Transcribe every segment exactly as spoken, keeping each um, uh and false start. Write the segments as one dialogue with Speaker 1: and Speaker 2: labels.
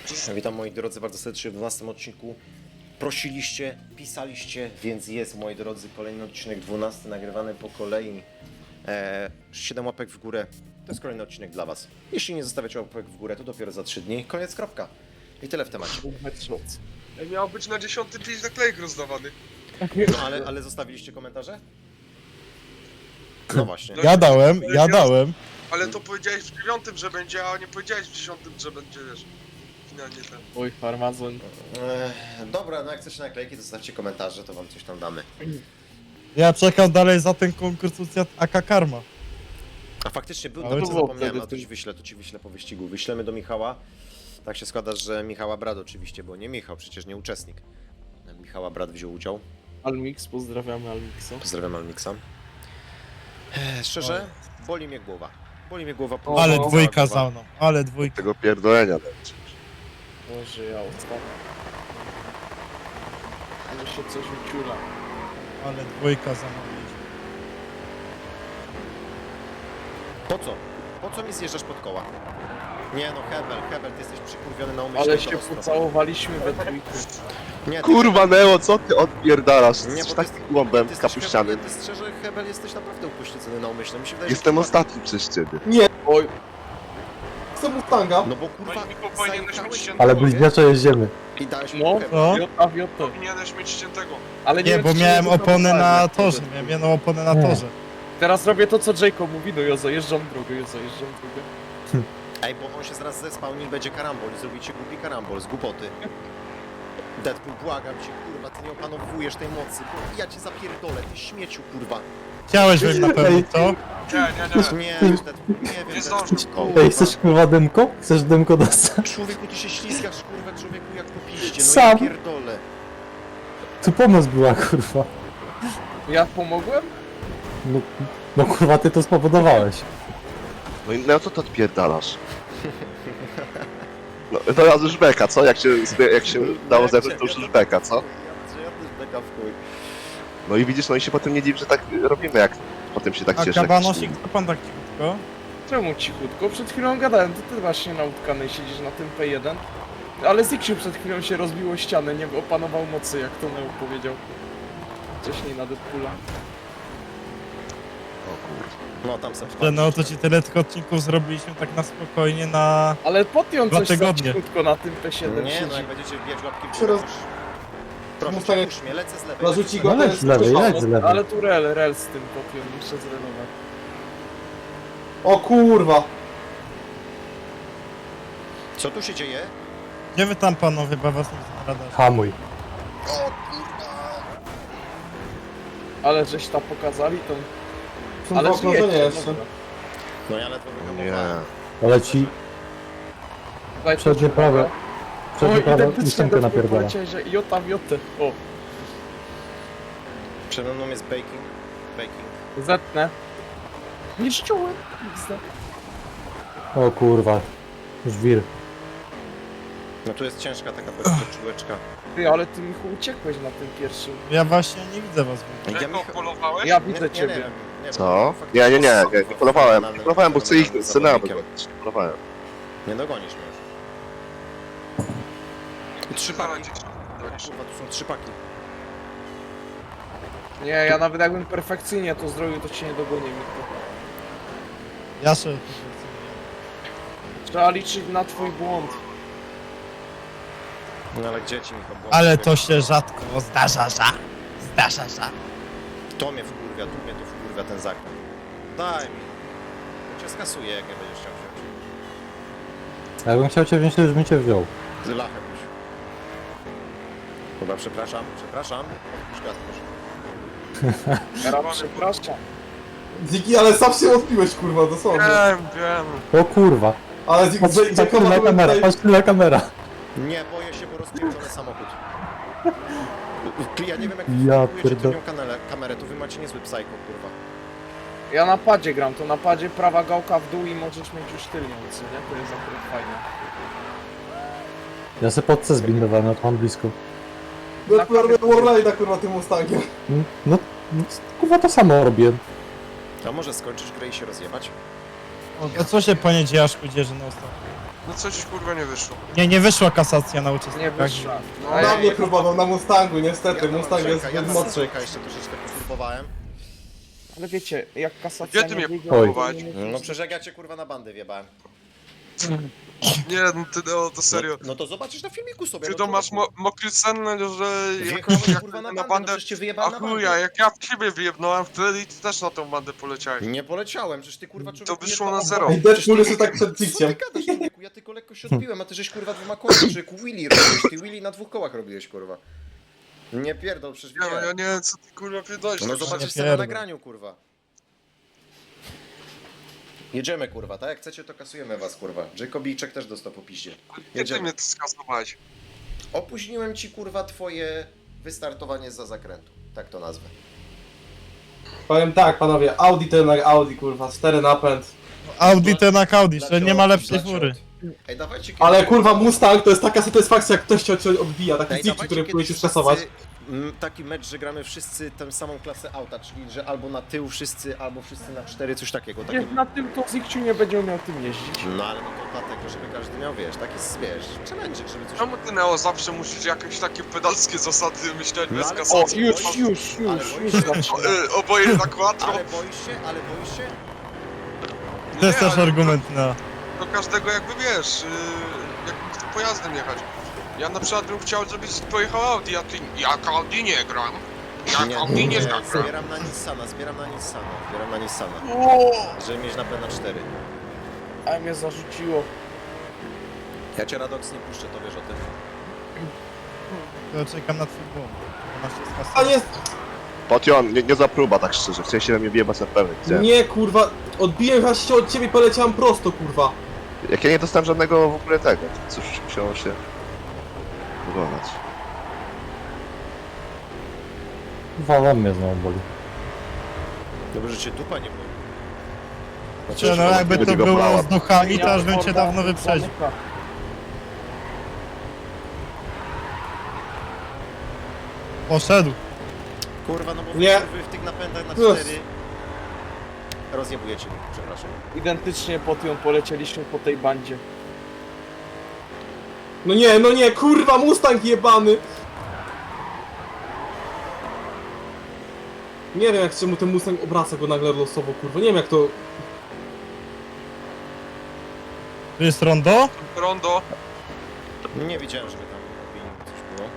Speaker 1: Witam moi drodzy bardzo serdecznie w dwunastym odcinku. Prosiliście, pisaliście, więc jest, moi drodzy, kolejny odcinek dwunasty nagrywany po kolei. Eee, siedem łapek w górę, to jest kolejny odcinek dla was. Jeśli nie zostawiacie łapek w górę, to dopiero za trzy dni. Koniec, kropka. I tyle w temacie.
Speaker 2: Ej, miał być na dziesiąty dzień naklejek rozdawany.
Speaker 1: No ale, ale zostawiliście komentarze? No właśnie.
Speaker 2: No
Speaker 3: Ja dałem, ja
Speaker 2: Ja-
Speaker 3: dałem.
Speaker 2: Ale to powiedziałeś w dziewiątym, że będzie, a nie powiedziałeś w dziesiątym, że będzie, wiesz, finalnie ten.
Speaker 4: Mój farmazon.
Speaker 1: Eee, dobra, no jak chcecie naklejki, to zostawcie komentarze, to wam coś tam damy.
Speaker 3: Ja czekam dalej za ten konkurs A K Karma.
Speaker 1: A faktycznie był,
Speaker 3: Ale
Speaker 1: to
Speaker 3: to
Speaker 1: zapomniałem,
Speaker 4: wtedy
Speaker 1: a to ci wyślę, to ci wyślę po wyścigu. Wyślemy do Michała. Tak się składa, że Michała brat oczywiście, bo nie Michał, przecież nie uczestnik. Michała brat wziął udział.
Speaker 4: Almix, pozdrawiamy Almixa.
Speaker 1: Pozdrawiam Almixa. Eee, szczerze, boli mnie głowa. Boli mnie głowa. po-
Speaker 3: Ale
Speaker 1: cała
Speaker 3: dwójka
Speaker 1: głowa.
Speaker 3: za mną, ale dwójka.
Speaker 5: Tego pierdolenia dać.
Speaker 4: Boże, ja ostatnio. Ale się coś wyciula.
Speaker 3: Ale dwójka za mną.
Speaker 1: Po co? Po co mi zjeżdżasz pod koła? Nie no, Hebel, Hebel, ty jesteś przykurwiony na umyśle.
Speaker 4: Ale
Speaker 1: to
Speaker 4: się
Speaker 1: ostro.
Speaker 4: pocałowaliśmy we trójkę.
Speaker 1: Nie, ty-
Speaker 5: Kurwa Neo, co ty odpierdalasz?
Speaker 1: Nie,
Speaker 5: Jesteś
Speaker 1: bo
Speaker 5: taki
Speaker 1: ty-
Speaker 5: głąbem
Speaker 1: ty jesteś
Speaker 5: kapuścianym.
Speaker 1: Hebel, ty szczerze, Hebel, jesteś naprawdę upośledzony na umyśle. Mi się wydaje, że
Speaker 5: Jestem
Speaker 1: ty-
Speaker 5: ostatni przez ciebie.
Speaker 4: Oj,
Speaker 6: Chcę Mustanga,
Speaker 1: No bo kurwa,
Speaker 2: Tylko powinieneś mieć
Speaker 1: zajechałeś
Speaker 2: ściętego,
Speaker 6: ale
Speaker 2: nie?
Speaker 6: bliźniaczo jeździemy.
Speaker 1: i dałeś mi
Speaker 4: no,
Speaker 1: Hebel.
Speaker 3: No.
Speaker 4: Jota, Jota.
Speaker 2: Powinieneś mieć ściętego.
Speaker 4: Ale
Speaker 3: Nie,
Speaker 4: wiem,
Speaker 3: bo
Speaker 4: czy
Speaker 3: miałem
Speaker 4: nie
Speaker 3: opony na
Speaker 4: zapomniałem.
Speaker 3: torze, miałem jedną oponę na
Speaker 6: Nie.
Speaker 3: torze.
Speaker 4: Teraz robię to, co Jacob mówi, no Jozo, jeżdżam drogę, Jozo, jeżdżam drogę.
Speaker 1: Ej, bo on się zaraz zespałni i będzie karambol i zrobicie głupi karambol z głupoty. Deadpool, błagam cię, kurwa, ty nie opanowujesz tej mocy, bo ja cię zapierdolę, ty śmieciu, kurwa.
Speaker 3: Chciałeś wiem na pewno, co?
Speaker 2: Nie, nie, nie.
Speaker 1: Nie, Deadpool, nie wiem,
Speaker 2: Nie
Speaker 1: Deadpool,
Speaker 2: zdążył.
Speaker 1: kurwa.
Speaker 6: Ej, chcesz kurwa dymko? Chcesz dymko dostać?
Speaker 1: Człowieku, ty się ślizgasz, kurwa, człowieku, jak po piździe, no
Speaker 6: Sam.
Speaker 1: ja pierdolę.
Speaker 6: Tu pomoc była kurwa.
Speaker 4: Ja pomogłem?
Speaker 6: No, no kurwa ty to spowodowałeś.
Speaker 5: No i Neo, co ty odpierdalasz? No to ja już beka, co? Jak się, zbie- jak się dało zebrać, to już beka, co?
Speaker 1: Ja, ja też beka w chuj.
Speaker 5: No i widzisz, no i się potem nie dziw, że tak robimy, jak potem się tak
Speaker 3: A
Speaker 5: cieszy. jak
Speaker 3: kabanosik,
Speaker 5: się-
Speaker 3: co pan tak cichutko?
Speaker 4: Czemu cichutko? Przed chwilą gadałem, to ty właśnie na utkanej siedzisz na tym P jeden. Ale Zixiu przed chwilą się rozbiło ścianę, nie opanował mocy, jak to Neo powiedział. Wcześniej na Deadpoola.
Speaker 1: No, tam sobie
Speaker 3: Że no to ci tyle tych odcinków zrobiliśmy tak na spokojnie na...
Speaker 4: Ale podjął
Speaker 3: Dwa
Speaker 4: coś za
Speaker 3: tygodnie.
Speaker 4: cichutko na tym P siedem
Speaker 1: Nie, no
Speaker 4: siedzi.
Speaker 1: jak będziecie wbijać łapki w
Speaker 6: Się
Speaker 1: górę,
Speaker 6: roz-
Speaker 1: już. Proszę,
Speaker 6: Mustang-
Speaker 1: puść mnie, lecę z lewej.
Speaker 6: Zarzuci
Speaker 1: lecę z
Speaker 6: go,
Speaker 1: lewej.
Speaker 6: to jest z lewej, leć z lewej.
Speaker 4: Ale tu rel, rel z tym podjął, muszę zrelować.
Speaker 6: O kurwa.
Speaker 1: Co tu się dzieje?
Speaker 3: Gdzie wy tam panowie, bo was nie zaradać?
Speaker 6: Hamuj.
Speaker 1: O kurwa!
Speaker 4: Ale żeś tam pokazali tą...
Speaker 6: Są
Speaker 4: Ale
Speaker 6: dwa okrążenia
Speaker 4: żyjecie,
Speaker 6: jeszcze.
Speaker 4: dobra.
Speaker 1: No ja ledwo
Speaker 5: Nie.
Speaker 1: wyhamowałem.
Speaker 6: Ale ci
Speaker 4: Daj
Speaker 6: przednie
Speaker 4: tu
Speaker 6: prawe.
Speaker 4: O,
Speaker 6: Przednie prawe
Speaker 4: identycznie
Speaker 6: ósemkę
Speaker 4: do
Speaker 6: napierdala.
Speaker 4: poleciałeś, że jota w jotę. O,
Speaker 1: Przede mną jest baking. Baking.
Speaker 4: zetnę. Nie ściułem.
Speaker 6: O kurwa. Żwir.
Speaker 1: No tu jest ciężka taka podczułeczka.
Speaker 4: Ty, ale ty Michu uciekłeś na tym pierwszym.
Speaker 3: Ja właśnie nie widzę was. w ogóle.
Speaker 1: Ja
Speaker 2: Jaką
Speaker 1: Micha-
Speaker 2: polowałeś?
Speaker 4: Ja
Speaker 1: Nie,
Speaker 4: widzę
Speaker 1: nie,
Speaker 4: ciebie.
Speaker 1: nie, nie,
Speaker 5: Co?
Speaker 1: faktycznie
Speaker 5: Nie, nie, nie,
Speaker 1: jest
Speaker 5: nie, nie
Speaker 1: fenomenalnym-
Speaker 5: polowałem. Nie polowałem, bo chcę ich
Speaker 1: fenomenalnym
Speaker 5: scenę
Speaker 1: zawodnikiem.
Speaker 5: Nie polowałem.
Speaker 1: Nie dogonisz mnie już. I trzy
Speaker 2: Stara
Speaker 1: paki.
Speaker 2: dzieci.
Speaker 1: Kurwa, tu są trzy paki.
Speaker 4: Nie, ja nawet jakbym perfekcyjnie to zrobił, to cię nie dogonię, Michu.
Speaker 3: Ja się...
Speaker 4: Trzeba liczyć na twój błąd.
Speaker 1: No ale gdzie ci Michał błąd?
Speaker 3: Ale to się rzadko zdarza, że... Zdarza, że...
Speaker 1: To mnie wkurwia, tu mnie to wkurwia ten zakręt. Daj mi. Bo cię skasuję, jak nie będziesz chciał wziąć.
Speaker 6: Jakbym chciał cię wziąć, to już bym cię wziął.
Speaker 1: Z lachem już. Chyba przepraszam, przepraszam. Odpuść gaz, proszę.
Speaker 4: Teraz przepraszam.
Speaker 7: Ziki, ale sam się odpiłeś, kurwa, dosłownie.
Speaker 2: Wiem, wiem.
Speaker 6: O kurwa.
Speaker 7: Ale Ziki,
Speaker 6: Patrz, patrz na kamera, patrz na kamera.
Speaker 1: Nie, boję się, bo rozpierdolę samochód. Ja nie wiem, jak
Speaker 6: Ja
Speaker 1: wy
Speaker 6: pierdol-
Speaker 1: tylnią kanale, kamerę, to wy macie niezły psycho, kurwa.
Speaker 4: Ja na padzie gram, to na padzie prawa gałka w dół i możesz mieć już tylnią, co nie? To jest akurat fajne.
Speaker 6: Ja se pod C zbindowałem, a to mam blisko.
Speaker 7: No, robię Warline'a, kurwa, tym Mustangiem.
Speaker 6: No, no, kurwa to samo robię.
Speaker 1: A może skończysz grę i się rozjebać?
Speaker 3: A co się panie Dziaszku dzieje, że na ostatnio?
Speaker 2: No coś kurwa nie wyszło.
Speaker 3: Nie, nie wyszła kasacja na
Speaker 4: Nie
Speaker 3: uczestnikach.
Speaker 4: wyszła.
Speaker 2: No,
Speaker 4: A
Speaker 7: Na
Speaker 4: ja-
Speaker 7: mnie próbował, na Mustangu, niestety,
Speaker 1: Ja tam
Speaker 7: Mustang jest
Speaker 1: Andrzejka, ja
Speaker 7: zbyt
Speaker 1: tam
Speaker 7: mocny.
Speaker 1: Andrzejka jeszcze troszeczkę poturbowałem.
Speaker 4: Ale wiecie, jak kasacja
Speaker 2: Gdzie ty
Speaker 4: nie
Speaker 2: mnie
Speaker 4: wyjdzie,
Speaker 2: próbowałeś?
Speaker 4: to nie-
Speaker 1: No przecież jak ja cię kurwa na bandę wjebałem.
Speaker 2: Nie, no ty no, to serio.
Speaker 1: No, no to zobaczysz na filmiku sobie.
Speaker 2: Ty
Speaker 1: no
Speaker 2: to masz
Speaker 1: człowieku.
Speaker 2: mo mokry sen, że jak,
Speaker 1: Wjechałeś
Speaker 2: jak
Speaker 1: kurwa na
Speaker 2: na
Speaker 1: bandę, no
Speaker 2: bandę...
Speaker 1: przecież cię
Speaker 2: A
Speaker 1: wyjebałem na
Speaker 2: chuja,
Speaker 1: bandę.
Speaker 2: jak ja w ciebie wyjebnąłem wtedy i ty też na tą bandę poleciałeś.
Speaker 1: Nie poleciałem, przecież ty kurwa człowieku...
Speaker 2: To wyszło
Speaker 1: jedno
Speaker 2: na
Speaker 1: oko.
Speaker 2: zero.
Speaker 7: Ej, Deadpool jeszcze tak przed
Speaker 1: Co ty
Speaker 7: Zikciem.
Speaker 1: gadasz, człowieku? Ja tylko lekko się odbiłem, a ty żeś kurwa dwoma kołami, człowieku Willy robiłeś, ty Willy na dwóch kołach robiłeś kurwa. Nie pierdol, przecież
Speaker 2: Ja, no, ja
Speaker 1: widziałem.
Speaker 2: nie wiem co ty kurwa pierdolisz.
Speaker 1: No
Speaker 2: tak
Speaker 1: zobaczysz
Speaker 3: Nie
Speaker 1: sobie na
Speaker 3: pierdol.
Speaker 1: nagraniu kurwa. Jedziemy kurwa, tak jak chcecie to kasujemy was kurwa. Jacobijczek też dostał po piździe.
Speaker 2: Gdzie ty
Speaker 1: Jedziemy.
Speaker 2: mnie to skasowałeś?
Speaker 1: Opóźniłem ci kurwa twoje wystartowanie za zakrętu. Tak to nazwę.
Speaker 7: Powiem tak, panowie, Audi to jednak Audi, kurwa, cztery napęd.
Speaker 3: Audi ten jak Audi, że
Speaker 1: Dlaczego-
Speaker 3: nie ma lepszej
Speaker 1: dlaczego-
Speaker 3: fury.
Speaker 1: Ej, dawajcie
Speaker 7: Ale
Speaker 1: kiedyś-
Speaker 7: kurwa, Mustang to jest taka satysfakcja, jak ktoś cię cię odbija, taki
Speaker 1: Ej,
Speaker 7: Zikci,
Speaker 1: dawajcie
Speaker 7: który
Speaker 1: kiedyś
Speaker 7: próbuje cię
Speaker 1: wszyscy,
Speaker 7: skasować.
Speaker 1: mm, taki mecz, że gramy wszyscy tę samą klasę auta, czyli że albo na tył wszyscy, albo wszyscy na cztery, coś takiego.
Speaker 4: Jak
Speaker 1: takiego.
Speaker 4: na tym to Zikciu nie będzie umiał tym jeździć.
Speaker 1: No ale no to dlatego, żeby każdy miał, wiesz, taki wiesz, challenge, żeby coś...
Speaker 2: Czemu ty Neo zawsze musisz jakieś takie pedalskie zasady myśleć
Speaker 1: No,
Speaker 2: bez
Speaker 1: ale-
Speaker 4: O,
Speaker 2: kasacji?
Speaker 4: już,
Speaker 1: boisz-
Speaker 4: już,
Speaker 1: ale
Speaker 4: już,
Speaker 1: boisz
Speaker 4: już
Speaker 1: się-
Speaker 4: zaczyna.
Speaker 2: O, y, Oboje na quattro.
Speaker 1: Ale boisz się, ale boisz się?
Speaker 3: To jest
Speaker 2: Nie,
Speaker 3: też
Speaker 2: ale
Speaker 3: argument na...
Speaker 2: Do każdego jakby wiesz, yy, jakby tym pojazdem jechać. Ja na przykład bym chciał, żebyś pojechał Audi, a ty jak Audi nie gram. Jak Audi nie,
Speaker 1: nie,
Speaker 2: gram.
Speaker 1: zbieram na Nissana, zbieram na Nissana, zbieram na Nissana,
Speaker 4: O,
Speaker 1: żeby mieć na P na cztery.
Speaker 4: ale mnie zarzuciło.
Speaker 1: Ja cię Radox nie puszczę, to wiesz o tym.
Speaker 3: To czekam na twój błąd. Masz się
Speaker 7: A
Speaker 3: skasować.
Speaker 7: nie,
Speaker 5: Potion, nie, nie za próba, tak szczerze. Chciałem się na mnie wjebać na pewno. Chciałem.
Speaker 7: nie kurwa, odbiłem chyba się od ciebie i poleciałem prosto, kurwa.
Speaker 5: Jak ja nie dostałem żadnego w ogóle tego, to cóż, musiało się wykonać.
Speaker 6: Wala mnie znowu boli.
Speaker 1: Dobrze, że cię dupa nie boli.
Speaker 3: Czy no jakby to
Speaker 5: będzie go
Speaker 3: było
Speaker 5: brała.
Speaker 3: z duchami, to
Speaker 4: Ja
Speaker 3: aż bym cię
Speaker 4: Forda
Speaker 3: dawno wyprzedził.
Speaker 4: zamyka.
Speaker 3: Poszedł.
Speaker 1: Kurwa, no bo
Speaker 7: Nie.
Speaker 1: wy w tych napędach na
Speaker 7: Plus.
Speaker 1: cztery rozjebujecie mi, przepraszam.
Speaker 4: Identycznie po tym polecieliśmy po tej bandzie.
Speaker 7: No nie, no nie, kurwa, Mustang jebany. Nie wiem jak czemu ten Mustang obraca go nagle losowo, kurwa, nie wiem jak to...
Speaker 3: Tu jest rondo?
Speaker 2: Rondo.
Speaker 1: Nie widziałem, żeby tam opinii coś było.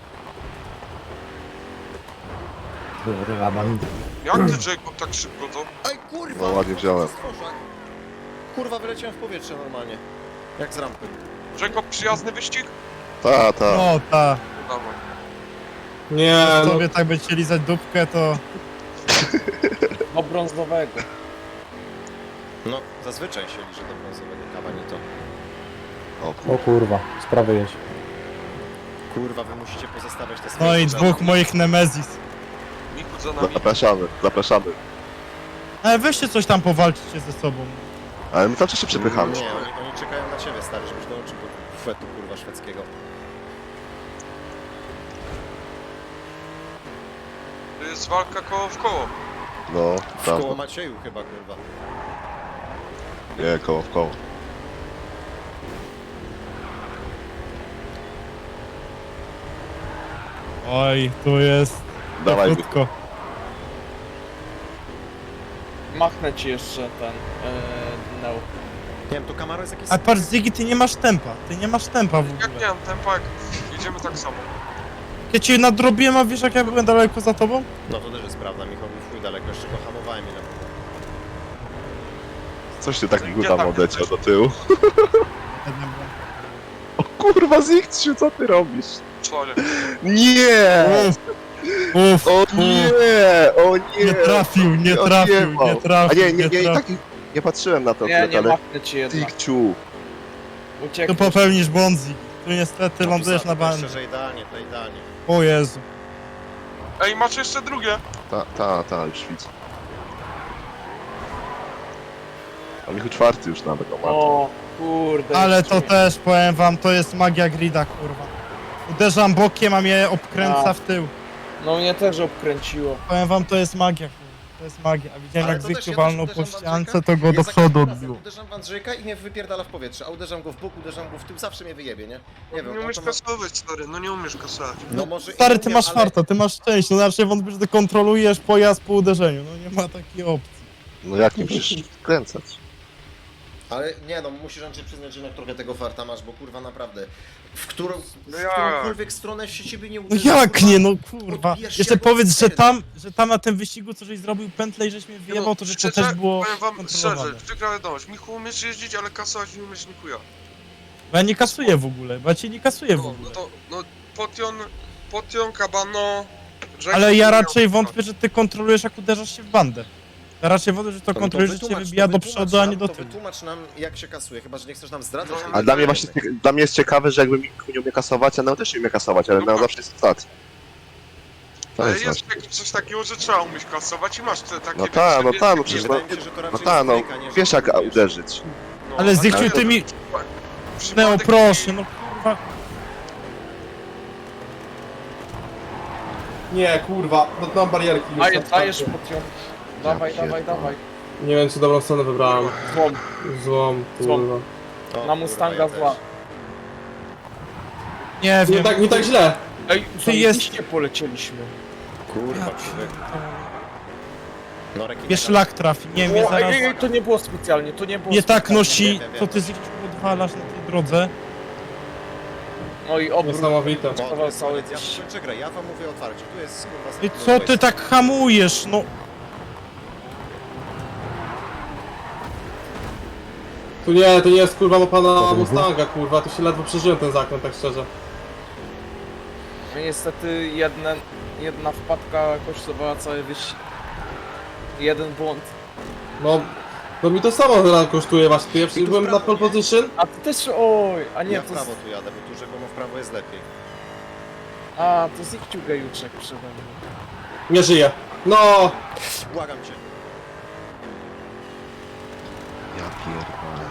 Speaker 6: Dobra, mam...
Speaker 2: Jak ty Jacob tak szybko to?
Speaker 1: Ej, kurwa!
Speaker 5: No, ładnie wziąłem.
Speaker 1: Kurwa, wyleciałem w powietrze normalnie. Jak z rampy.
Speaker 2: Jacob przyjazny wyścig?
Speaker 5: Ta, ta.
Speaker 3: No ta.
Speaker 2: Dawaj.
Speaker 7: Nie, no...
Speaker 3: Sobie tak by chcieli lizać dupkę, to...
Speaker 4: Do brązowego.
Speaker 1: No, zazwyczaj się liczy do brązowego kawa, nie to.
Speaker 5: O,
Speaker 6: O kurwa, sprawy jeść.
Speaker 1: Kurwa, wy musicie pozostawiać te swoje...
Speaker 3: No i
Speaker 1: rzeczy.
Speaker 3: dwóch moich Nemezis.
Speaker 2: Michu za nami.
Speaker 5: zapraszamy, zapraszamy.
Speaker 3: Ale weźcie coś tam powalczycie ze sobą.
Speaker 5: Ale my cały czas się przepychamy.
Speaker 1: Nie, oni, oni czekają na ciebie, stary, żebyś dołączył do bufetu, kurwa, szwedzkiego.
Speaker 2: To jest walka koło w koło.
Speaker 5: No,
Speaker 1: W
Speaker 5: tak.
Speaker 1: koło Macieju chyba, kurwa.
Speaker 5: Nie, koło w koło.
Speaker 3: Oj, tu jest...
Speaker 5: Dawaj,
Speaker 3: krótko.
Speaker 4: Machnę ci jeszcze ten yy, Neo.
Speaker 1: Nie wiem, to Camaro jest jakieś...
Speaker 3: A patrz Ziggy, ty nie masz tempa. Ty nie masz tempa w
Speaker 2: Jak
Speaker 3: ogóle.
Speaker 2: nie mam tempa, jak jedziemy tak samo.
Speaker 3: Ja cię nadrobiłem, a wiesz jak ja byłem daleko za tobą?
Speaker 1: No to też jest prawda, Michał był chuj daleko, jeszcze go hamowałem ile mogłem.
Speaker 5: coś ty tak mi
Speaker 2: Gdzie
Speaker 5: tam
Speaker 2: tak
Speaker 5: odleciał
Speaker 2: jesteś?
Speaker 5: do tyłu.
Speaker 3: Jednym byłem.
Speaker 5: O kurwa, Zikciu, co ty robisz?
Speaker 2: Sorry.
Speaker 5: Nie!
Speaker 3: Uff, uff,
Speaker 5: O
Speaker 3: uff.
Speaker 5: nie! O nie!
Speaker 3: Nie trafił, nie
Speaker 5: O,
Speaker 3: trafił,
Speaker 5: odjebał.
Speaker 3: nie trafił,
Speaker 5: A nie, nie, nie,
Speaker 3: trafił.
Speaker 5: tak nie patrzyłem na to,
Speaker 4: Nie,
Speaker 5: akurat,
Speaker 4: nie
Speaker 5: ale...
Speaker 4: machnę ci jednak.
Speaker 5: Zikciu!
Speaker 3: Tu
Speaker 4: Uciekł.
Speaker 3: popełnisz błąd, Ziggy. Tu niestety
Speaker 1: No,
Speaker 3: lądujesz
Speaker 1: tu
Speaker 3: na
Speaker 1: za-
Speaker 3: bandzie.
Speaker 1: Szczerze, idealnie, to idealnie.
Speaker 3: O Jezu.
Speaker 2: Ej, masz jeszcze drugie.
Speaker 5: Ta, ta, ta, już widzę. A Michu czwarty już nawet, o matko.
Speaker 4: O, kurde.
Speaker 3: Ale
Speaker 4: jeszcze
Speaker 3: to
Speaker 4: mnie-
Speaker 3: też, powiem wam, to jest magia grida, kurwa. Uderzam bokiem, a mnie obkręca
Speaker 4: A.
Speaker 3: w tył.
Speaker 4: No mnie też obkręciło.
Speaker 3: Powiem wam, to jest magia, kurwa. To jest magia. A widziałem
Speaker 1: Ale
Speaker 3: jak
Speaker 1: to też
Speaker 3: Zykciu
Speaker 1: ja
Speaker 3: walnął
Speaker 1: też
Speaker 3: po
Speaker 1: uderzam w
Speaker 3: ściance,
Speaker 1: Andrzejka.
Speaker 3: to go
Speaker 1: Ja
Speaker 3: do
Speaker 1: za
Speaker 3: przodu
Speaker 1: każdym razem
Speaker 3: odbił.
Speaker 1: Uderzam w Andrzejka i mnie wypierdala w powietrze, a uderzam go w bok, uderzam go w tył, zawsze mnie wyjebie, nie? Nie
Speaker 2: Nie
Speaker 1: wiem,
Speaker 2: umiesz
Speaker 1: to ma...
Speaker 2: kasować, stary, no nie umiesz kasować.
Speaker 1: No może i
Speaker 3: Stary,
Speaker 1: nie
Speaker 3: ty
Speaker 1: umiem,
Speaker 3: masz
Speaker 1: ale-
Speaker 3: farta, ty masz szczęście, no znaczy wątpię, że ty kontrolujesz pojazd po uderzeniu, no nie ma takiej opcji.
Speaker 5: No jak nie przecież kręcać?
Speaker 1: Ale nie no, musisz Andrzej przyznać, że jednak trochę tego farta masz, bo kurwa naprawdę, w, którą,
Speaker 2: No
Speaker 1: w
Speaker 2: jak?
Speaker 1: którąkolwiek stronę się ciebie nie
Speaker 3: No
Speaker 1: uderzy,
Speaker 3: jak
Speaker 1: kurwa,
Speaker 3: nie, no kurwa.
Speaker 1: odbijasz się
Speaker 3: Jeszcze
Speaker 1: jak od
Speaker 3: powiedz, że
Speaker 1: sterydów.
Speaker 3: tam, że tam na tym wyścigu, co żeś zrobił pętlę i żeś mnie wyjebał, to że to
Speaker 2: szczerze,
Speaker 3: też było
Speaker 2: powiem wam
Speaker 3: kontrolowane.
Speaker 2: szczerze, przykra wiadomość, Michu umiesz jeździć, ale kasować nie umiesz nikuja.
Speaker 3: Bo ja nie kasuję w ogóle, bo ja cię nie kasuję w
Speaker 2: No, no
Speaker 3: ogóle.
Speaker 2: to, no, Potion, Potion, Kabano... Jacob
Speaker 3: Ale ja
Speaker 2: nie
Speaker 3: raczej
Speaker 2: miał-
Speaker 3: wątpię, że ty kontrolujesz jak uderzasz się w bandę. Ja raczej wątpię, że to
Speaker 1: No to
Speaker 3: kontrolujesz, że cię
Speaker 1: wytłumacz,
Speaker 3: wybija
Speaker 1: to
Speaker 3: do
Speaker 1: wytłumacz
Speaker 3: przodu, a
Speaker 1: nam,
Speaker 3: nie do
Speaker 1: to
Speaker 3: tyłu.
Speaker 1: wytłumacz nam, jak się kasuje, chyba że nie chcesz nam zdradzać.
Speaker 2: No,
Speaker 1: ale
Speaker 5: Ale dla mnie
Speaker 1: nie
Speaker 5: właśnie,
Speaker 1: wiemy.
Speaker 5: dla mnie jest ciekawe, że jakby Miku nie umie kasować, a Neo też nie umie kasować, ale Neo zawsze jest w stacji. To
Speaker 2: Ale
Speaker 5: jest
Speaker 2: jest
Speaker 5: właśnie.
Speaker 2: jak- coś takiego, że trzeba umieć kasować i masz te takie...
Speaker 5: No tak, no
Speaker 2: wiesz,
Speaker 5: tak, no
Speaker 2: nie
Speaker 5: przecież
Speaker 1: Wydaje
Speaker 5: no-
Speaker 1: mi się, że to
Speaker 5: No
Speaker 1: raczej
Speaker 5: tak, no
Speaker 1: jest trójka, nie, że
Speaker 5: wiesz jak
Speaker 1: próbujesz.
Speaker 5: uderzyć.
Speaker 2: no,
Speaker 3: Ale
Speaker 2: a
Speaker 3: Zykciu,
Speaker 2: tak-
Speaker 3: ty mi...
Speaker 2: przypadek
Speaker 3: Neo,
Speaker 2: taki-
Speaker 3: proszę, no kurwa.
Speaker 7: Nie, kurwa, dotknąłem barierki. już
Speaker 4: Daję,
Speaker 7: na starcie.
Speaker 4: dajesz Potion. Dawaj, dawaj,
Speaker 5: pierdolę.
Speaker 4: dawaj.
Speaker 7: Nie wiem, czy dobrą stronę wybrałem.
Speaker 4: Złom.
Speaker 7: Złom,
Speaker 4: Złom.
Speaker 7: kurwa.
Speaker 1: O,
Speaker 4: Na
Speaker 1: kurwa,
Speaker 4: Mustanga
Speaker 1: ja
Speaker 4: zła.
Speaker 1: też.
Speaker 3: Nie
Speaker 7: Nie
Speaker 3: wiem.
Speaker 7: tak, nie tak źle.
Speaker 4: Ej,
Speaker 3: Ty
Speaker 4: zajebiście polecieliśmy.
Speaker 1: Kurwa,
Speaker 3: Ja
Speaker 1: krzywy. No, rekina.
Speaker 3: Mnie szlak trafi, nie mnie
Speaker 4: O, ej,
Speaker 3: zaraz...
Speaker 4: ej, ej, to nie było specjalnie, to nie było
Speaker 3: Nie tak
Speaker 4: specjalnie.
Speaker 3: nosi,
Speaker 1: Wiem, wiem,
Speaker 3: co
Speaker 1: wiem.
Speaker 3: ty Zykciu odwalasz na tej drodze.
Speaker 4: No i obrót.
Speaker 7: Niesamowite.
Speaker 1: O, to
Speaker 4: Cały
Speaker 1: jest koniec, ja
Speaker 4: coś.
Speaker 1: skończę grę, ja wam mówię otwarcie, tu jest kurwa...
Speaker 3: I co ty tak hamujesz, no?
Speaker 7: Tu nie, to nie jest kurwa ma pana Mustanga, kurwa, tu się ledwo przeżyłem ten zakręt, tak szczerze.
Speaker 4: No niestety jedna, jedna wpadka kosztowała cały wyścig. Jeden błąd.
Speaker 7: No, no mi to samo teraz kosztuje właśnie, ja
Speaker 1: I tu w
Speaker 7: byłem na
Speaker 1: prawo,
Speaker 7: pole
Speaker 1: nie?
Speaker 7: position,
Speaker 4: A ty też, oj, a nie,
Speaker 1: Ja w
Speaker 4: to...
Speaker 1: prawo tu jadę, bo tu rzekomo w prawo jest lepiej.
Speaker 4: A, to Zikciu gejuczek przede mną.
Speaker 7: nie żyję. No,
Speaker 1: Błagam cię.
Speaker 5: Ja pierdolę.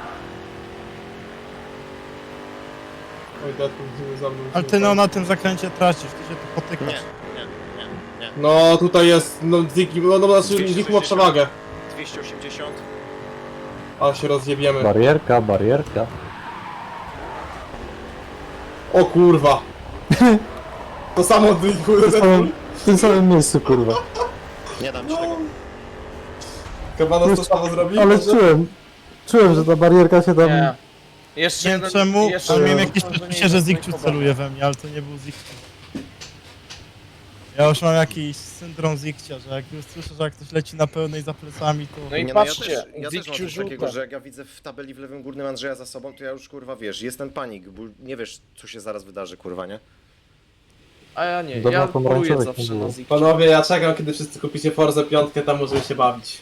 Speaker 7: oj, Deadpool nie za mną.
Speaker 3: Ale ty no na tym zakręcie tracisz, ty się tu
Speaker 1: Nie,
Speaker 3: potykasz.
Speaker 1: nie, nie, nie.
Speaker 7: No, tutaj jest, no Ziki, no, no znaczy
Speaker 1: dwieście
Speaker 7: Ziki ma
Speaker 1: sześćdziesiąt.
Speaker 7: przewagę.
Speaker 1: dwieście osiemdziesiąt.
Speaker 7: Ale się rozjebiemy.
Speaker 6: Barierka, barierka.
Speaker 7: O kurwa. To samo Ziku,
Speaker 6: W tym samym, w tym samym miejscu, kurwa.
Speaker 1: Nie dam ci tego.
Speaker 7: Kabanos to samo zrobił?
Speaker 6: Ale czułem, czułem, że ta barierka się tam...
Speaker 4: Nie. Jeszcze
Speaker 3: Nie wiem
Speaker 4: jeden,
Speaker 3: czemu,
Speaker 4: jeszcze
Speaker 3: ale miałem
Speaker 4: jeden
Speaker 3: jakieś
Speaker 4: okrążenie
Speaker 3: poczucie, że
Speaker 4: i
Speaker 3: Zikciu
Speaker 4: zasnęło.
Speaker 3: celuje we mnie, ale to nie był Zikciu. Ja już mam jakiś syndrom Zikcia, że jak już słyszę, że jak ktoś leci na pełnej za plecami, to...
Speaker 4: No i
Speaker 1: Nie,
Speaker 4: patrzcie,
Speaker 1: ja też, ja też mam
Speaker 4: Zikciu
Speaker 1: coś takiego,
Speaker 4: żółte.
Speaker 1: że jak ja widzę w tabeli w lewym górnym Andrzeja za sobą, to ja już kurwa wiesz, jest ten panik, bo nie wiesz co się zaraz wydarzy, kurwa, nie?
Speaker 4: A ja nie,
Speaker 6: Dobra,
Speaker 4: ja
Speaker 6: pomarańczowych
Speaker 4: poluję
Speaker 6: nie
Speaker 4: zawsze
Speaker 6: było.
Speaker 4: na Zikciu.
Speaker 7: Panowie, ja czekam, kiedy wszyscy kupicie Forza piątkę, tam możemy się bawić.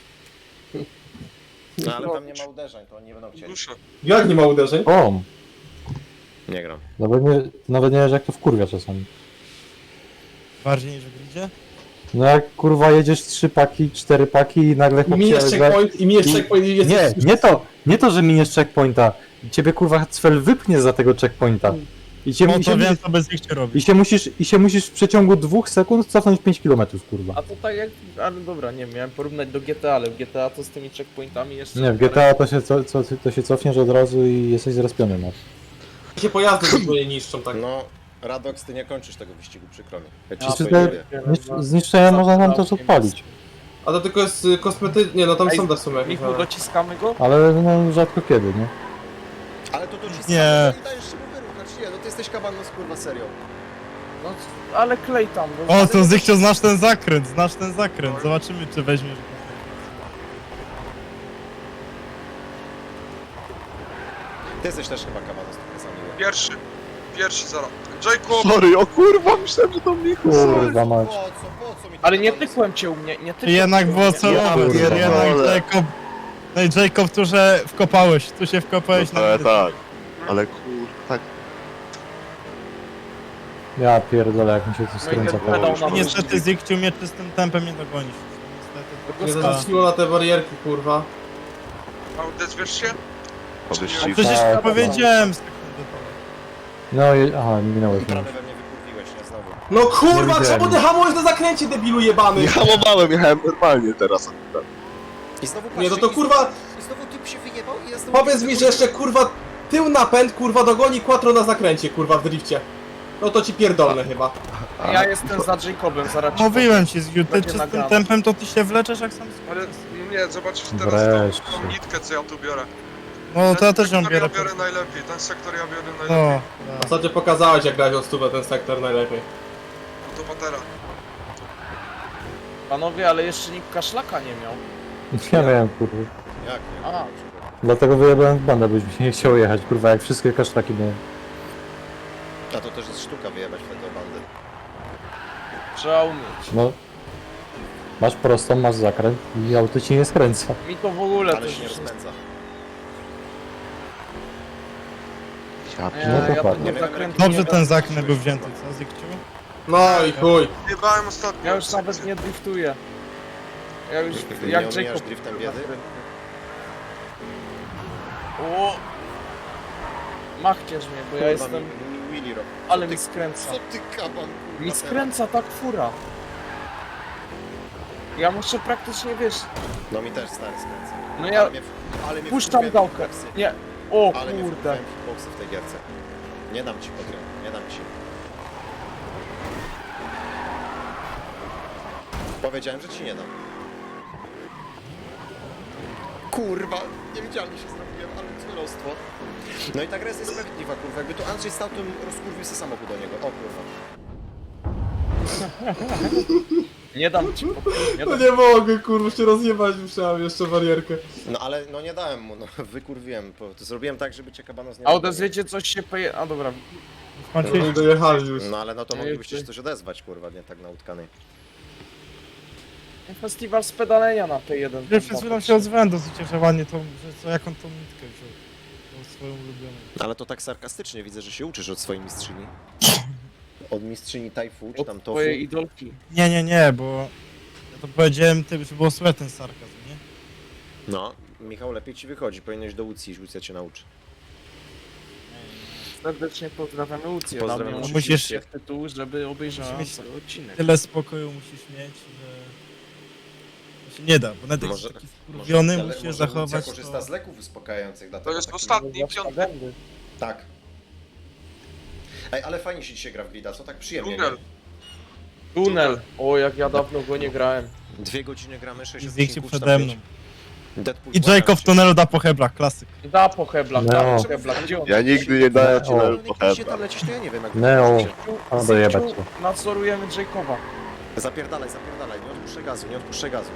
Speaker 1: No ale tam nie ma uderzeń, to oni nie będą chcieli.
Speaker 2: Duszę.
Speaker 7: Jak nie ma uderzeń?
Speaker 6: O!
Speaker 1: Nie gram.
Speaker 6: Nawet nie, nawet nie wiesz jak to wkurwia czasami.
Speaker 3: Bardziej niż w gridzie?
Speaker 6: No jak kurwa jedziesz trzy paki, cztery paki i nagle
Speaker 7: I
Speaker 6: chłop
Speaker 7: miniesz
Speaker 6: się-
Speaker 7: checkpoint, i miniesz
Speaker 6: I-
Speaker 7: checkpoint i jest...
Speaker 6: Nie, nie to, nie to, że miniesz checkpointa. Ciebie kurwa cfel wypnie za tego checkpointa. I cię,
Speaker 3: No
Speaker 6: i się,
Speaker 3: to wiem, co bez Zikciu robi.
Speaker 6: i się musisz, i się musisz w przeciągu dwóch sekund cofnąć pięć kilometrów, kurwa.
Speaker 4: A to tak jak, ale dobra, nie miałem porównać do G T A, ale w G T A to z tymi checkpointami jeszcze...
Speaker 6: Nie, w G T A to się, co, co, to się cofniesz od razu i jesteś zrespiony, no.
Speaker 7: się pojazdy zupełnie niszczą, tak.
Speaker 1: No, Radox, ty nie kończysz tego wyścigu, przykro mi. Ja ci
Speaker 4: A,
Speaker 6: Czy
Speaker 1: spoiluję.
Speaker 6: te znisz- zniszczenia można nam też odpalić.
Speaker 7: A to tylko jest y, kosmety... Nie, no tam
Speaker 4: Ej,
Speaker 7: są w sumie jakieś,
Speaker 4: Michu,
Speaker 7: ale...
Speaker 4: dociskamy go?
Speaker 6: Ale no rzadko kiedy, nie?
Speaker 1: Ale to dociskamy,
Speaker 3: Nie.
Speaker 1: nie dajesz się mu wyruchać, nie, no ty jesteś kabanos, kurwa, serio.
Speaker 4: No, ale klej tam. bo-
Speaker 3: O, to Zikciu, znasz ten zakręt, znasz ten zakręt. Zobaczymy, czy weźmiesz go.
Speaker 1: Ty jesteś też chyba kabanos, trochę sam miły.
Speaker 2: Pierwszy. Pierwszy zaraz. Jacob!
Speaker 5: Sorry, o kurwa, myślałem, że to Miku.
Speaker 6: Kurwa mać.
Speaker 1: Po co, po co mi to
Speaker 4: Ale nie
Speaker 1: kabanos?
Speaker 4: tykłem cię u mnie, nie tykłem
Speaker 3: Jednak
Speaker 4: cię u
Speaker 3: było
Speaker 4: mnie.
Speaker 3: celowe,
Speaker 6: pierdolę.
Speaker 3: jednak Jacob... No i Jacob, tu że wkopałeś, tu się wkopałeś na
Speaker 5: Ale
Speaker 3: mnie.
Speaker 5: tak. Ale kur... tak.
Speaker 6: Ja pierdolę, jak mi się to skręca
Speaker 4: ten
Speaker 6: koło.
Speaker 4: pedał na
Speaker 3: I niestety Zikciu mnie czystym tempem nie dogonisz.
Speaker 7: Nie
Speaker 3: Niestety.
Speaker 7: zaznaczyło na te barierki, kurwa.
Speaker 2: A odezwiesz się?
Speaker 5: Po
Speaker 3: No
Speaker 5: wyścigu.
Speaker 3: przecież
Speaker 6: Tak,
Speaker 3: powiedziałem sekundę temu.
Speaker 6: No i... aha, minąłeś mnie.
Speaker 1: Prawie we mnie wykurwiłeś, nie znam znowu.
Speaker 7: No kurwa,
Speaker 6: Nie
Speaker 7: czemu
Speaker 6: widziałem.
Speaker 7: ty hamujesz na zakręcie, debilu jebany?
Speaker 5: Nie hamowałem, jechałem normalnie teraz akurat.
Speaker 1: I znowu
Speaker 7: Nie, no
Speaker 1: patrzcie,
Speaker 7: to
Speaker 1: i
Speaker 7: kurwa-
Speaker 1: znowu- I znowu typ się wyjebał i ja znowu...
Speaker 7: Powiedz mi, że jeszcze kurwa tył napęd kurwa dogoni Quattro na zakręcie kurwa w drifcie. No to ci pierdolne chyba.
Speaker 4: Ja jestem za Jacobem, zaraz ci
Speaker 3: Mówiłem ci, Zgiu, ty
Speaker 4: Będzie
Speaker 3: czy z tym
Speaker 4: nagrane.
Speaker 3: tempem to ty się wleczesz jak sam...
Speaker 2: Ale no nie, zobaczysz teraz
Speaker 6: Wreszcie.
Speaker 2: tą, tą nitkę, co ja tu biorę.
Speaker 3: No to ja też ją
Speaker 2: sektor
Speaker 3: biorę.
Speaker 2: ja biorę najlepiej, ten sektor ja biorę
Speaker 3: No,
Speaker 2: najlepiej.
Speaker 7: A co ty pokazałeś jak grałeś o stówę ten sektor najlepiej?
Speaker 2: No to patera.
Speaker 4: Panowie, ale jeszcze nikt kaszlaka nie miał.
Speaker 6: Ja miałem, kurwa.
Speaker 1: Jak nie?
Speaker 4: A.
Speaker 6: Dlatego wyjebałem w bandę, byś mi się nie chciał jechać, kurwa, jak wszystkie kasztaki miałem.
Speaker 1: A to też jest sztuka wyjebać wtedy o bandy.
Speaker 4: Trzeba umieć.
Speaker 6: No. Masz prostą, masz zakręt i auto ci nie skręca.
Speaker 4: Mi to w ogóle
Speaker 1: Ale
Speaker 4: też
Speaker 1: się nie
Speaker 4: już
Speaker 1: rozpędza.
Speaker 5: Ja
Speaker 4: Nie,
Speaker 5: pierdolę.
Speaker 6: No
Speaker 4: ja to
Speaker 6: dokładnie.
Speaker 4: zakrętu
Speaker 3: Dobrze
Speaker 4: nie
Speaker 3: ten
Speaker 4: wiem.
Speaker 3: zakręt był wzięty, co Zikciu?
Speaker 7: No i chuj.
Speaker 2: Jebałem ostatnio.
Speaker 4: Ja już nawet nie driftuję. Ja już
Speaker 1: Nie
Speaker 4: jak
Speaker 1: omijasz
Speaker 4: Jacob.
Speaker 1: driftem biedy?
Speaker 4: O! Machcież mnie, bo ja
Speaker 1: Kurwa,
Speaker 4: jestem...
Speaker 1: mi- mi Willy robi.
Speaker 4: Ale
Speaker 1: Co
Speaker 4: mi
Speaker 1: ty-
Speaker 4: skręca.
Speaker 1: Co ty kaban, kurwa,
Speaker 4: Mi
Speaker 1: teraz?
Speaker 4: skręca tak fura. Ja muszę praktycznie, wiesz...
Speaker 1: No mi też stary skręca.
Speaker 4: No ja
Speaker 1: Ale mnie, ale mnie
Speaker 4: puszczam
Speaker 1: wkurwiają
Speaker 4: gałkę.
Speaker 1: hitboxy.
Speaker 4: Nie. O
Speaker 1: Ale mnie
Speaker 4: kurde.
Speaker 1: wkurwiają hitboxy w tej gierce. Nie dam ci podry, nie dam ci. Powiedziałem, że ci nie dam. Kurwa, niewidzialnie się zrobiłem, ale cudowstwo. No i ta gra jest niesprawiedliwa, kurwa. Jakby tu Andrzej stał, to bym rozkurwił sobie samochód do niego. O kurwa.
Speaker 4: Nie dam ci pokój, nie
Speaker 7: No
Speaker 4: dam.
Speaker 7: nie mogę kurwa się rozjebać, musiałem jeszcze barierkę.
Speaker 1: No ale no nie dałem mu, no wykurwiłem. bo To zrobiłem tak, żeby cię kabanos nie
Speaker 4: A
Speaker 1: dogonił.
Speaker 4: odezwiecie coś się poje... A dobra.
Speaker 3: Skończyliśmy.
Speaker 7: Nie dojechali już.
Speaker 1: No ale no to
Speaker 4: No
Speaker 1: moglibyście
Speaker 4: i
Speaker 1: się coś odezwać, kurwa, nie tak na utkanej.
Speaker 4: Festiwal z pedalenia na P jeden.
Speaker 3: Ja przed chwilą się odzwałem dosyć ładnie, to, że co, jaką tą nitkę wziął. Tą swoją ulubioną.
Speaker 1: Ale to tak sarkastycznie widzę, że się uczysz od swojej mistrzyni. Od mistrzyni Tajfu, czy tam
Speaker 4: Od
Speaker 1: Tofu.
Speaker 4: twojej idolki.
Speaker 3: Nie, nie, nie, bo ja to powiedziałem, ty, żeby było słychać ten sarkazm, nie?
Speaker 1: No, Michał, lepiej ci wychodzi, powinieneś do Łucji iść, Łucja cię nauczy.
Speaker 4: Serdecznie pozdrawiamy Łucję.
Speaker 1: Pozdrawiam
Speaker 4: Damy ją
Speaker 3: Łucję.
Speaker 4: oczywiście w tytuł, żeby obejrzała
Speaker 3: Musisz mieć-
Speaker 4: cały odcinek.
Speaker 3: Tyle spokoju musisz mieć, że... To się nie da, bo nawet jak
Speaker 1: Może-
Speaker 3: jesteś taki wkurwiony,
Speaker 1: ale
Speaker 3: musisz
Speaker 1: może
Speaker 3: zachować
Speaker 1: Łucja korzysta
Speaker 3: to...
Speaker 1: z leków uspokajających, dlatego
Speaker 2: To jest
Speaker 1: taki-
Speaker 2: ostatni, piąty.
Speaker 4: Będę.
Speaker 1: Tak. Ej, ale fajnie się dzisiaj gra w Grida, co tak przyjemnie,
Speaker 2: Tunel.
Speaker 1: nie?
Speaker 4: Tunel. O, jak ja dawno go nie grałem.
Speaker 1: Dwie godziny gramy, sześć
Speaker 3: Zikciu
Speaker 1: odcinków, czy
Speaker 3: przede
Speaker 1: tam
Speaker 3: mną.
Speaker 1: pięć. Deadpool,
Speaker 3: I
Speaker 1: błagam
Speaker 3: Jacob w
Speaker 1: cię.
Speaker 3: tunelu da po heblach, klasyk.
Speaker 4: Da po heblach,
Speaker 6: No.
Speaker 4: da po heblach. Gdzie on?
Speaker 5: Ja nigdy nie dałem ci
Speaker 6: O.
Speaker 5: na
Speaker 1: Ale jak idzie
Speaker 5: pochebę.
Speaker 1: tam lecieć, to ja nie wiem jak...
Speaker 6: Neo.
Speaker 4: Zikciu,
Speaker 6: A, dojebać
Speaker 4: Zikciu,
Speaker 6: się.
Speaker 4: nadzorujemy Jacoba.
Speaker 1: Zapierdalaj, zapierdalaj, nie odpuszczaj gazu, nie odpuszczaj gazu.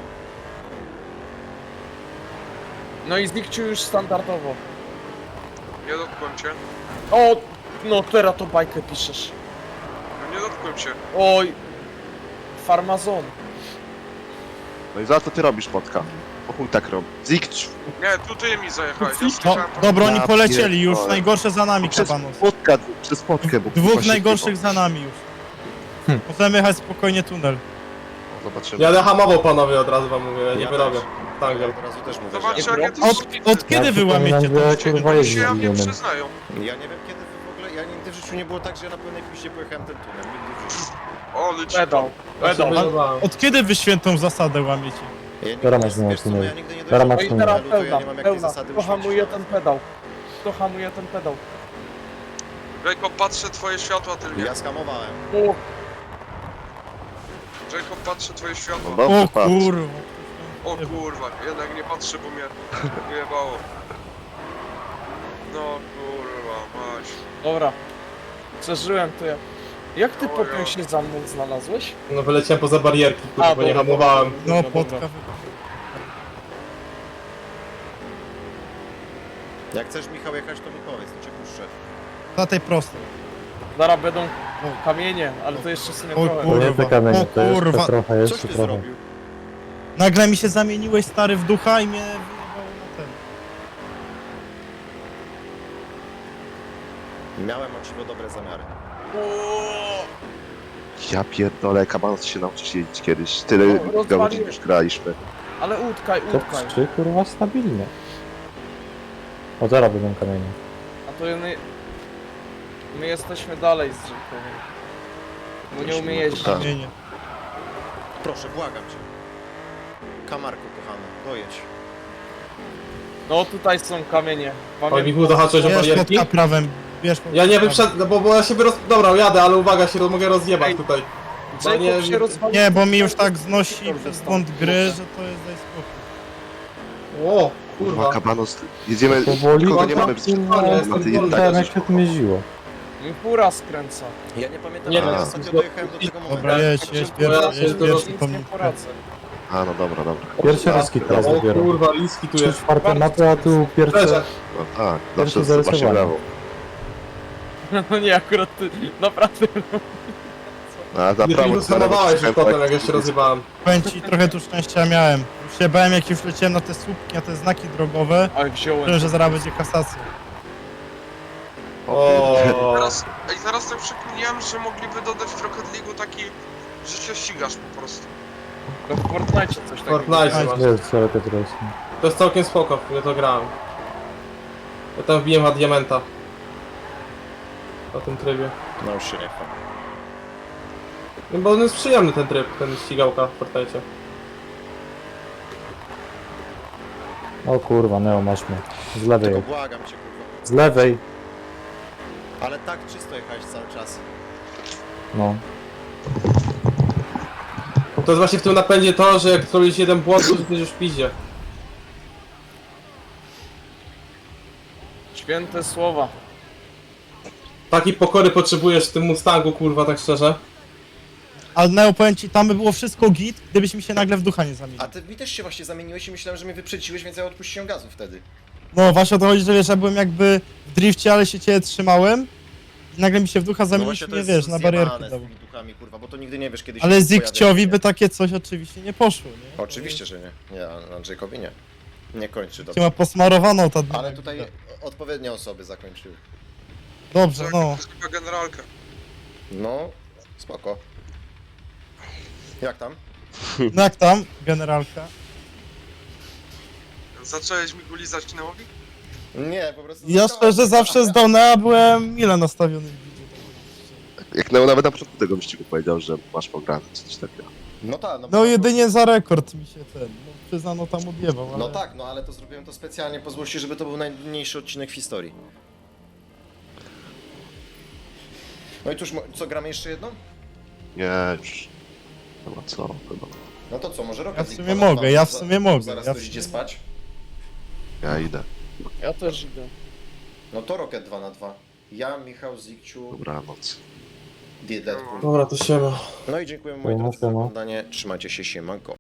Speaker 4: No i Zikciu już standardowo.
Speaker 2: Nie dotknąłem cię.
Speaker 4: O, no teraz to bajkę piszesz.
Speaker 2: No nie dotknąłem cię.
Speaker 4: Oj. Farmazon.
Speaker 5: No i za to ty robisz motka. Po chuj tak robi. Zikcz.
Speaker 2: Nie, tu ty mi zajechałeś. Ja
Speaker 3: No,
Speaker 2: słyszałem po-
Speaker 3: dobra, oni
Speaker 5: Ja
Speaker 3: polecieli już,
Speaker 5: pierdolę.
Speaker 3: najgorsze za nami,
Speaker 5: Przez
Speaker 3: kabanos.
Speaker 5: spotka, przez spotkę, bo kurwa
Speaker 3: Dwóch
Speaker 5: się
Speaker 3: najgorszych za nami już. Możemy jechać spokojnie tunel.
Speaker 5: chyba- Zobaczymy.
Speaker 7: Ja będę hamował panowie, od razu wam mówię, ja nie
Speaker 1: Ja
Speaker 7: wyrobię.
Speaker 1: też.
Speaker 7: Tak,
Speaker 1: Ja od razu też mówię,
Speaker 2: Zobacz,
Speaker 1: że...
Speaker 2: jak ja to
Speaker 3: Od, od kiedy wy łamiecie
Speaker 6: przypominam,
Speaker 3: to?
Speaker 6: że kurwa
Speaker 2: Oni
Speaker 6: jest
Speaker 2: się ja mnie
Speaker 6: zgubiony.
Speaker 2: przyznają.
Speaker 1: Ja nie wiem kiedy wy w ogóle, ja nigdy w życiu nie było tak, że ja na pełnej piście pojechałem ten tunel, nigdy w życiu.
Speaker 2: O, leci.
Speaker 4: Pedał. Pedał.
Speaker 7: Pedał.
Speaker 3: Od kiedy wy świętą zasadę łamiecie?
Speaker 1: Ja nigdy,
Speaker 6: Teraz
Speaker 1: wiesz,
Speaker 6: masz
Speaker 1: wiesz co, no
Speaker 6: tunel.
Speaker 1: ja nigdy nie
Speaker 6: Teraz
Speaker 1: dojechałem
Speaker 6: masz
Speaker 4: No i
Speaker 1: do
Speaker 6: tunel.
Speaker 4: teraz
Speaker 1: tunelu, to ja
Speaker 4: pełna,
Speaker 1: nie mam jak tej
Speaker 4: pełna.
Speaker 1: zasady
Speaker 4: Kto hamuje
Speaker 1: uświęcić.
Speaker 4: ten pedał? Kto hamuje ten pedał?
Speaker 2: Jacob, patrzę twoje światła tylnie.
Speaker 1: Ja skamowałem.
Speaker 4: O,
Speaker 2: Jacob, patrzę twoje
Speaker 5: No
Speaker 2: światła.
Speaker 5: dobrze,
Speaker 3: O
Speaker 5: patrz.
Speaker 3: kurwa.
Speaker 2: O kurwa, jednak nie patrzę, bo mnie wyjebało. No kurwa, mać.
Speaker 4: dobra. Przeżyłem to jak... Jak ty
Speaker 2: O,
Speaker 4: popiął
Speaker 2: ja.
Speaker 4: się za mną znalazłeś?
Speaker 7: No wyleciałem poza barierki, kurwa,
Speaker 4: A,
Speaker 7: bo nie
Speaker 4: dobra,
Speaker 7: hamowałem.
Speaker 3: No,
Speaker 4: Dobra,
Speaker 3: potka.
Speaker 4: dobra.
Speaker 1: Jak chcesz Michał jechać, to mi powiedz, to cię puszczę.
Speaker 3: Na tej prostej.
Speaker 4: Zaraz będą kamienie, ale to jeszcze sobie
Speaker 3: O
Speaker 4: trochę.
Speaker 6: To nie te
Speaker 3: Kurwa,
Speaker 6: kamienie,
Speaker 3: o
Speaker 6: to jeszcze
Speaker 3: kurwa.
Speaker 6: trochę,
Speaker 1: Coś
Speaker 6: jeszcze
Speaker 1: ty
Speaker 6: trochę.
Speaker 1: zrobił?
Speaker 3: Nagle mi się zamieniłeś stary w ducha i mnie wyjebało na ten.
Speaker 1: Miałem o ciebie dobre zamiary.
Speaker 5: Ja pierdolę, kabanos się nauczysz jeździć kiedyś. Tyle
Speaker 4: No, rozwaliłem.
Speaker 5: godzin już graliśmy.
Speaker 4: Ale utkaj,
Speaker 6: To
Speaker 4: utkaj.
Speaker 6: trzy kurwa stabilnie. O, zaraz będą kamienie.
Speaker 4: A to my... My jesteśmy dalej z Jacobem. Bo nie umie jeździć.
Speaker 5: Tak.
Speaker 3: Nie, nie.
Speaker 1: Proszę, błagam cię. Kamarku kochany, dojedź.
Speaker 4: No tutaj są kamienie.
Speaker 7: Oj,
Speaker 4: Pamiętam.
Speaker 7: Michu, zahaczyłeś o
Speaker 3: Bierz
Speaker 7: barierki?
Speaker 3: pod prawem. Bierz pod
Speaker 7: Ja nie
Speaker 3: prawem.
Speaker 7: wyprzedzę, no bo, bo ja się roz... Dobra, jadę, ale uwaga, się roz... mogę rozjebać
Speaker 4: Ej.
Speaker 7: tutaj. Bo
Speaker 4: Jacob
Speaker 7: nie-
Speaker 4: się rozwalił.
Speaker 3: Nie, bo mi już tak znosi
Speaker 4: Dobrze,
Speaker 3: przez
Speaker 4: stąd.
Speaker 3: błąd gry, że to jest daj spokój.
Speaker 7: O,
Speaker 5: Kurwa,
Speaker 7: kurwa.
Speaker 5: kabanos. Jedziemy,
Speaker 6: Powoli,
Speaker 5: kogo nie
Speaker 7: kurwa,
Speaker 5: mamy
Speaker 7: kurwa,
Speaker 5: na
Speaker 7: jestem
Speaker 5: tej
Speaker 7: wolny.
Speaker 6: Tak,
Speaker 5: tak,
Speaker 6: jak się tym jeździło.
Speaker 4: Fura skręca.
Speaker 1: Ja nie pamiętam,
Speaker 7: Nie,
Speaker 1: jak ja
Speaker 5: no.
Speaker 1: ostatnio dojechałem do tego momentu.
Speaker 3: Dobra, jedź, jedź
Speaker 7: Bo ja
Speaker 3: pierwszy,
Speaker 7: się
Speaker 3: jedź
Speaker 7: do-
Speaker 3: pierwszy,
Speaker 4: Nic
Speaker 3: to
Speaker 4: nie
Speaker 3: mnie
Speaker 4: poradzę.
Speaker 5: A, no dobra, dobra.
Speaker 6: Pierwsze ryski teraz
Speaker 7: O
Speaker 6: dopiero.
Speaker 7: kurwa, liski tu
Speaker 6: Trzy
Speaker 7: jest.
Speaker 6: czwarte mapy, a tu pierwsze...
Speaker 7: Leżę.
Speaker 5: No tak,
Speaker 6: Pierwsze
Speaker 5: zawsze właśnie
Speaker 6: zarysowanie.
Speaker 5: brawo.
Speaker 4: No nie, akurat ty, naprawdę.
Speaker 5: A za
Speaker 7: Nie
Speaker 5: prawo
Speaker 7: minus hamowałeś już
Speaker 5: skręcać.
Speaker 7: potem, jak ja się rozjebałem.
Speaker 3: Powiem ci, trochę tu szczęścia miałem. Już się bałem, jak już leciałem na te słupki, na te znaki drogowe,
Speaker 4: Ale wziąłem.
Speaker 3: że zaraz będzie kasacja.
Speaker 7: O.
Speaker 2: Teraz, ej, zaraz tak przekminiłem, że mogliby dodać w Rocket League'u taki, że się ścigasz po prostu.
Speaker 4: To w Fortnite coś takiego.
Speaker 7: Fortnite masz.
Speaker 6: Jest, ale to teraz.
Speaker 7: To jest całkiem spoko, ja to grałem. Ja tam wbiłem na diamenta. Na tym trybie.
Speaker 1: No już się nie chwal.
Speaker 7: No bo on jest przyjemny ten tryb, ten ścigałka w Fortnite.
Speaker 6: O kurwa, Neo, masz mnie. Z lewej.
Speaker 1: Tylko błagam cię, kurwa.
Speaker 6: Z lewej.
Speaker 1: Ale tak czysto jechałeś cały czas.
Speaker 6: No.
Speaker 7: To jest właśnie w tym napędzie to, że jak zrobisz jeden błąd, to jesteś już w piździe.
Speaker 4: Święte słowa.
Speaker 7: Takiej pokory potrzebujesz w tym Mustangu, kurwa, tak szczerze.
Speaker 3: Ale Neo, powiem ci, tam by było wszystko git, gdybyś mi się nagle w ducha nie zamienił.
Speaker 1: A ty mi też się właśnie zamieniłeś i myślałem, że mnie wyprzedziłeś, więc ja odpuściłem gazu wtedy.
Speaker 3: No właśnie o to chodzi, że wiesz, ja byłem jakby w drifcie, ale się ciebie trzymałem i nagle mi się w ducha
Speaker 1: No
Speaker 3: zamienić
Speaker 1: właśnie
Speaker 3: i
Speaker 1: to
Speaker 3: mnie,
Speaker 1: jest
Speaker 3: wiesz, na barierkę
Speaker 1: zjebane z
Speaker 3: dał.
Speaker 1: tymi duchami, kurwa, bo to nigdy nie wiesz, kiedy się
Speaker 3: Ale
Speaker 1: pojawi,
Speaker 3: Zikciowi
Speaker 1: nie?
Speaker 3: by takie coś oczywiście nie poszło, nie?
Speaker 1: Oczywiście, że nie. Nie, a Andrzejkowi nie. Nie kończy
Speaker 3: Cię
Speaker 1: dobrze.
Speaker 3: ma posmarowaną ta
Speaker 1: Ale tutaj odpowiednie osoby zakończyły.
Speaker 3: Dobrze,
Speaker 2: Tak,
Speaker 3: no.
Speaker 2: to jest chyba generalka.
Speaker 1: No, spoko. Jak tam?
Speaker 3: No jak tam, generalka?
Speaker 2: Zacząłeś mi go lizać Neowi?
Speaker 1: Nie, po prostu...
Speaker 3: Ja szczerze zawsze z Donea byłem ile nastawiony w widzie.
Speaker 5: Jak Neo nawet na początku tego wyścigu powiedział, że masz pograne, czy coś takiego.
Speaker 1: No tak, no, bo-
Speaker 3: No jedynie za rekord mi się ten, no przyznano tam odjebał, ale...
Speaker 1: No tak, no ale to zrobiłem to specjalnie po złości, żeby to był najmniejszy odcinek w historii. No i cóż, mo- co, gramy jeszcze jedną?
Speaker 5: Nie, już. Chyba co, chyba.
Speaker 1: No to co, może Rocket
Speaker 3: Ja w
Speaker 1: League
Speaker 3: sumie
Speaker 1: dwa na
Speaker 3: mogę,
Speaker 1: dwa,
Speaker 3: ja w
Speaker 1: za-
Speaker 3: sumie mogę,
Speaker 1: Zaraz
Speaker 3: ja
Speaker 1: ktoś
Speaker 3: w
Speaker 1: idzie
Speaker 3: sumie
Speaker 1: spać.
Speaker 5: Ja idę.
Speaker 4: Ja też idę.
Speaker 1: No to Rocket dwa na dwa. Ja, Michał, Zikciu,
Speaker 5: Dobranoc.
Speaker 1: Deadpool.
Speaker 7: Dobra, to siema.
Speaker 1: No i dziękuję moi
Speaker 6: Siema,
Speaker 1: drodzy za
Speaker 6: siema.
Speaker 1: oglądanie. Trzymajcie się, siemanko.